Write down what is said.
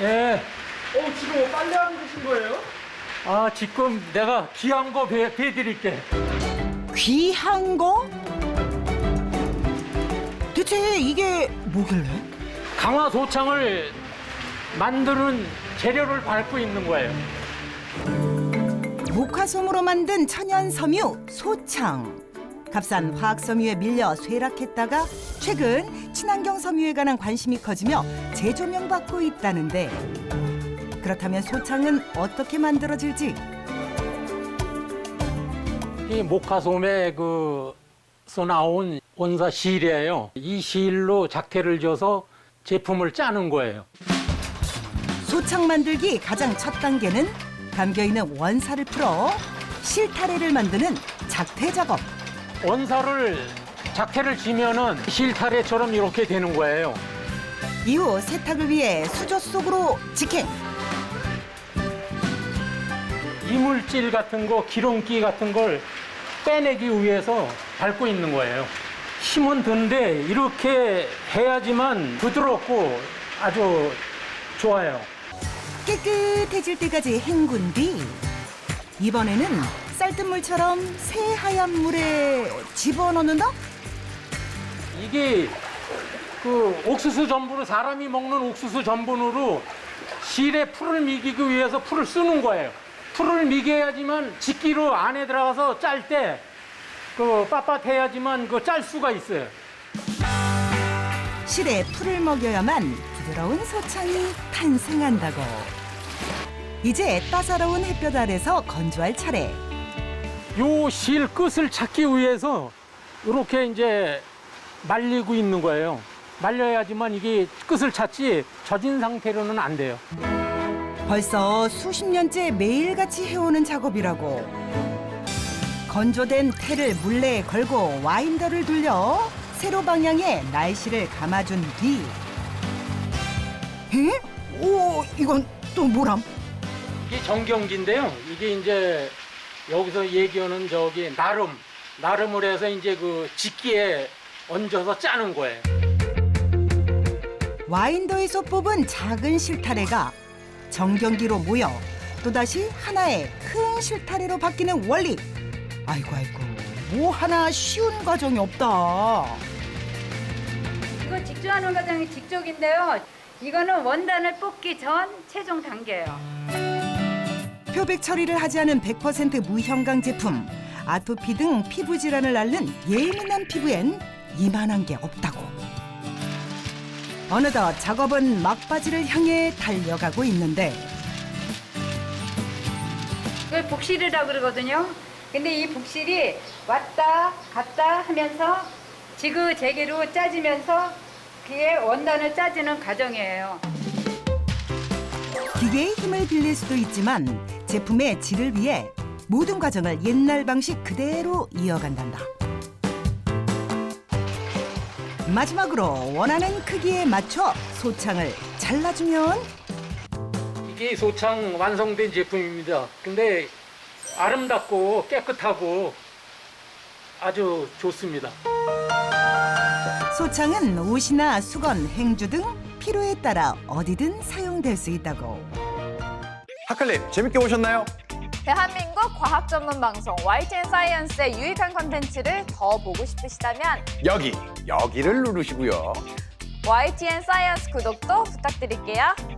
예. 지금 뭐 빨래하고 계신 거예요? 아, 지금 내가 귀한 거 배드릴게. 귀한 거? 대체 이게 뭐길래? 강화 소창을 만드는 재료를 밟고 있는 거예요. 목화솜으로 만든 천연 섬유 소창. 값싼 화학 섬유에 밀려 쇠락했다가 최근 친환경 섬유에 관한 관심이 커지며 재조명받고 있다는데, 그렇다면 소창은 어떻게 만들어질지? 이 목화솜에 서 나온 원사 실이에요. 이 실로 작태를 줘서 제품을 짜는 거예요. 소창 만들기 가장 첫 단계는 감겨있는 원사를 풀어 실타래를 만드는 작태 작업. 원사를 작태를 지면은 실타래처럼 이렇게 되는 거예요. 이후 세탁을 위해 수조 속으로 직행. 이물질 같은 거, 기름기 같은 걸 빼내기 위해서 밟고 있는 거예요. 힘은 든데 이렇게 해야지만 부드럽고 아주 좋아요. 깨끗해질 때까지 헹군 뒤 이번에는 쌀뜨물처럼 새하얀 물에 집어넣는다? 이게 옥수수 전분으로, 사람이 먹는 옥수수 전분으로 실에 풀을 미기기 위해서 풀을 쓰는 거예요. 풀을 미겨야지만 직기로 안에 들어가서 짤 때 빳빳해야지만 짤 수가 있어요. 실에 풀을 먹여야만 부드러운 소창이 탄생한다고. 이제 따사로운 햇볕 아래서 건조할 차례. 요 실 끝을 찾기 위해서 이렇게 이제 말리고 있는 거예요. 말려야지만 이게 끝을 찾지 젖은 상태로는 안 돼요. 벌써 수십 년째 매일같이 해오는 작업이라고. 건조된 테를 물레에 걸고 와인더를 돌려 세로 방향에 날씨를 감아준 뒤. 에? 오, 이건 또 뭐람? 이게 정경기인데요. 이게 이제 여기서 얘기하는 나름을 해서 이제 직기에 얹어서 짜는 거예요. 와인더에서 뽑은 작은 실타래가 정경기로 모여 또다시 하나의 큰 실타래로 바뀌는 원리. 아이고 뭐 하나 쉬운 과정이 없다. 이거 직조하는 과정이 직조인데요. 이거는 원단을 뽑기 전 최종 단계예요. 표백 처리를 하지 않은 100% 무형광 제품. 아토피 등 피부 질환을 앓는 예민한 피부엔 이만한 게 없다고. 어느덧 작업은 막바지를 향해 달려가고 있는데, 이걸 복실이라고 그러거든요. 근데 이 복실이 왔다 갔다 하면서 지그재기로 짜지면서 그게 원단을 짜지는 과정이에요. 기계의 힘을 빌릴 수도 있지만 제품의 질을 위해 모든 과정을 옛날 방식 그대로 이어간단다. 마지막으로 원하는 크기에 맞춰 소창을 잘라주면 이게 소창 완성된 제품입니다. 근데 아름답고 깨끗하고 아주 좋습니다. 소창은 옷이나 수건, 행주 등 필요에 따라 어디든 사용될 수 있다고. 하클립 재밌게 보셨나요? 대한민국 과학 전문 방송 YTN 사이언스의 유익한 컨텐츠를 더 보고 싶으시다면 여기를 누르시고요. YTN 사이언스 구독도 부탁드릴게요.